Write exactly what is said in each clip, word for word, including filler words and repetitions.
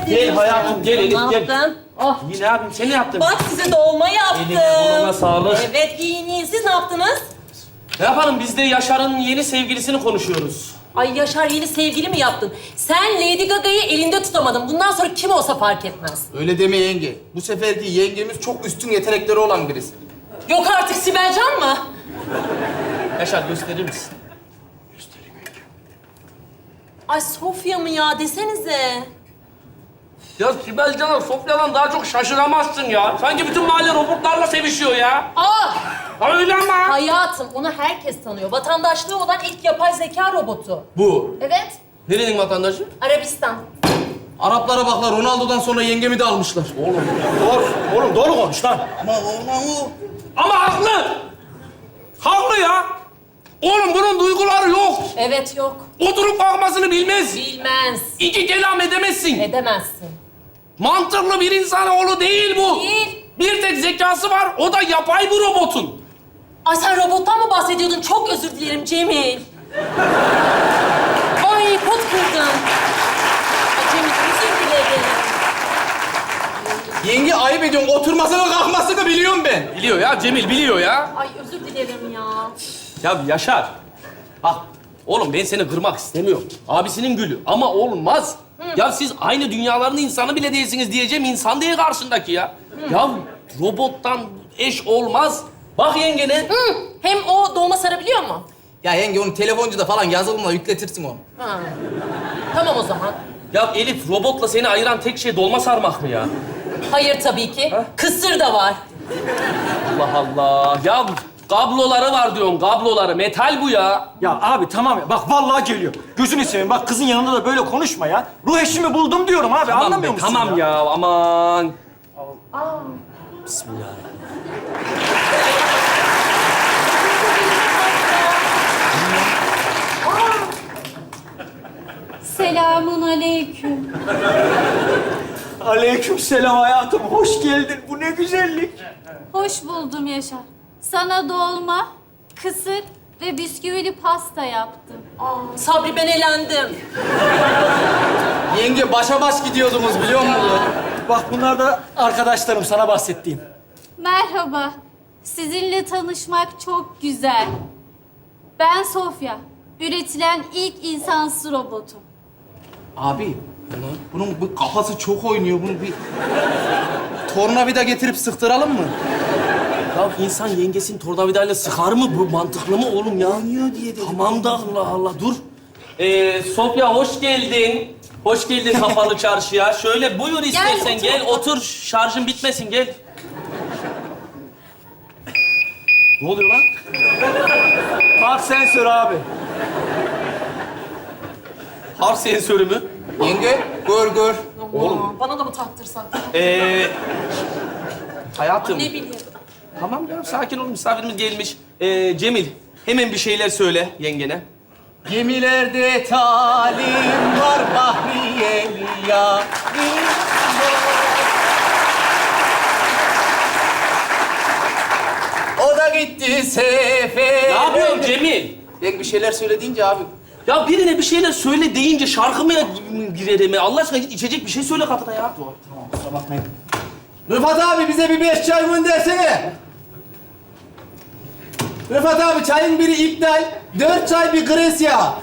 Gel hayatım, gel Elif, Ne gel. yaptın? Oh. İyi ne yapayım, sen ne yaptın? Bak size dolma yaptım. Eline koluna sağlık. Evet giyin yiyin. Siz ne yaptınız? Ne yapalım, biz de Yaşar'ın yeni sevgilisini konuşuyoruz. Ay Yaşar yeni sevgili mi yaptın? Sen Lady Gaga'yı elinde tutamadın. Bundan sonra kim olsa fark etmez. Öyle deme yenge. Bu seferki yengemiz çok üstün yetenekleri olan birisi. Yok artık Sibelcan mı? Yaşar gösterir misin? Ay Sofya mı ya desenize. Ya Sibel Can'a Sofya'dan daha çok şaşıramazsın ya. Sanki bütün mahalle robotlarla sevişiyor ya. Aa! Ha öyle ama. Hayatım onu herkes tanıyor. Vatandaşlığı olan ilk yapay zeka robotu. Bu. Evet. Nerenin vatandaşı? Arabistan. Araplara baklar, Ronaldo'dan sonra yengemi de almışlar. Oğlum. Doğru, oğlum doğru konuş lan. Ama ama o... Ama haklı. Haklı ya. Oğlum bunun duyguları yok. Evet yok. Oturup kalkmasını bilmez. Bilmez. İki kelam edemezsin. Edemezsin. Mantıklı bir insanoğlu değil bu. Değil. Bir tek zekası var, o da yapay bir robotun. Ay sen robottan mı bahsediyordun? Çok özür dilerim Cemil. Ay pot kırdım. Ay Cemil özür dilerim. Yenge ayıp ediyorsun. Oturmasını kalkmasını biliyorum ben. Biliyor ya, Cemil biliyor ya. Ay özür dilerim ya. Ya Yaşar, bak oğlum ben seni kırmak istemiyorum. Abisinin gülü ama olmaz. Ya siz aynı dünyaların insanı bile değilsiniz diyeceğim, insan değil karşındaki ya. Ya robottan eş olmaz. Bak yengene. Hı. Hem o dolma sarabiliyor mu? Ya yenge onu telefoncuda falan yazılımla yükletirsin onu. Ha. Tamam o zaman. Ya Elif, robotla seni ayıran tek şey dolma sarmak mı ya? Hayır tabii ki. Ha? Kısır da var. Allah Allah. Ya kabloları var diyorsun, kabloları. Metal bu ya. Ya abi tamam ya. Bak vallahi geliyor. Gözünü seveyim. Bak kızın yanında da böyle konuşma ya. Ruh eşimi buldum diyorum abi. Tamam Anlamıyor be, musun tamam ya, aman. Bismillah. Selamun aleyküm. Aleykümselam hayatım. Hoş geldin. Bu ne güzellik. Hoş buldum Yaşar. Sana dolma, kısır ve bisküvili pasta yaptım. Aa, Sabri ben elendim. Yenge başa baş gidiyordunuz biliyor musun? Bak bunlar da arkadaşlarım sana bahsettiğim. Merhaba. Sizinle tanışmak çok güzel. Ben Sofya. Üretilen ilk insansız robotum. Abi, bunun bu kafası çok oynuyor. Bunu bir tornavida getirip sıktıralım mı? Ya insan yengesini tornavidayla sıkar mı? Bu mantıklı mı oğlum ya? Oynuyor diye dedim. Tamam da Allah Allah dur. Ee, Sofya hoş geldin. Hoş geldin kapalı çarşıya. Şöyle buyur istersen otur. gel otur. Şarjın bitmesin gel. Ne oluyor lan? Park sensörü abi. Harf sensörü mü? Yenge, gör gör. Oğlum. Bana da mı taktırsak? Ee, hayatım. Ne bileyim. Tamam ya sakin ol misafirimiz gelmiş. Ee, Cemil hemen bir şeyler söyle yengene. Gemilerde talim var Bahriyeli ya. O da gitti sefer. Ne yapıyorsun Cemil? Ben bir şeyler söyle deyince abi. Ya birine bir şeyler söyle deyince şarkı mı girer mi? Allah aşkına git içecek bir şey söyle kadına ya. Tamam, kusura bakmayın. Rıfat abi bize bir beş çay göndersene. Rıfat abi çayın biri iptal, dört çay bir gres ya.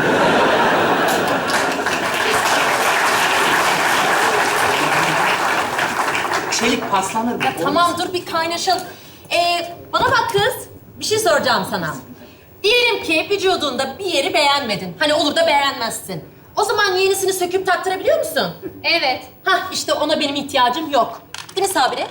Çelik paslanır mı? Ya tamam dur bir kaynaşalım. Ee, bana bak kız. Bir şey soracağım sana. Diyelim ki vücudunda bir yeri beğenmedin. Hani olur da beğenmezsin. O zaman yenisini söküp taktırabiliyor musun? Evet. Hah işte ona benim ihtiyacım yok. Değil mi Sabri?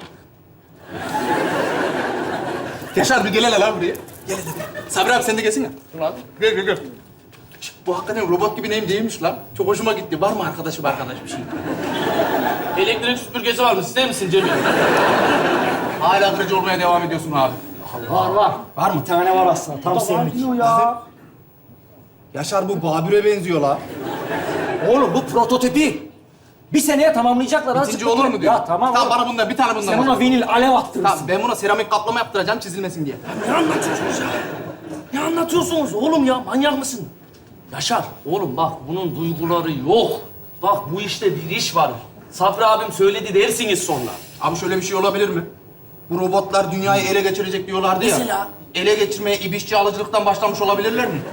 Yaşar bir gel hele lan buraya. Gel hele. Sabri abi sen de gelsene. Lan. Gel gel gel. Şişt, bu hakikaten robot gibi neyim değilmiş lan. Çok hoşuma gitti. Var mı arkadaşı bir arkadaş bir şey? Elektrik süpürgesi var mı? İster misin Cemil? Hala kırıcı olmaya devam ediyorsun abi. Var var. Var mı? Bir tane var aslında. Tam senlik. Ya. Yaşar bu Babür'e benziyor la. Oğlum bu prototipi. Bir seneye tamamlayacaklar. azıcık Bitince olur mu bekle. diyor. Ya tamam. Tamam oğlum. bana bundan bir tane bundan. Sen bak. ona vinil alev attırırsın. Tamam ben buna seramik kaplama yaptıracağım çizilmesin diye. Ne anlatıyorsunuz ya? Ne anlatıyorsunuz oğlum ya? Manyak mısın? Yaşar, oğlum bak bunun duyguları yok. Bak bu işte bir iş var. Sabri abim söyledi dersiniz sonra. Abi şöyle bir şey olabilir mi? Bu robotlar dünyayı ele geçirecek diyorlardı ya. Mesela? Ele geçirmeye ibişçi alıcılıktan başlamış olabilirler mi?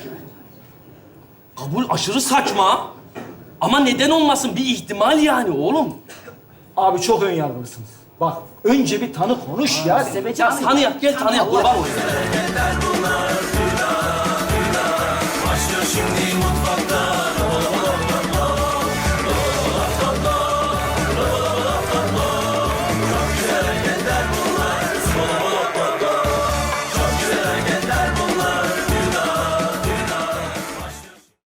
Kabul aşırı saçma. Ama neden olmasın? Bir ihtimal yani oğlum. Abi çok ön yargılısınız. Bak önce bir tanı konuş ya. Ya tanıyak, gel tanıyak. Kurban olayım. Başlıyor şimdi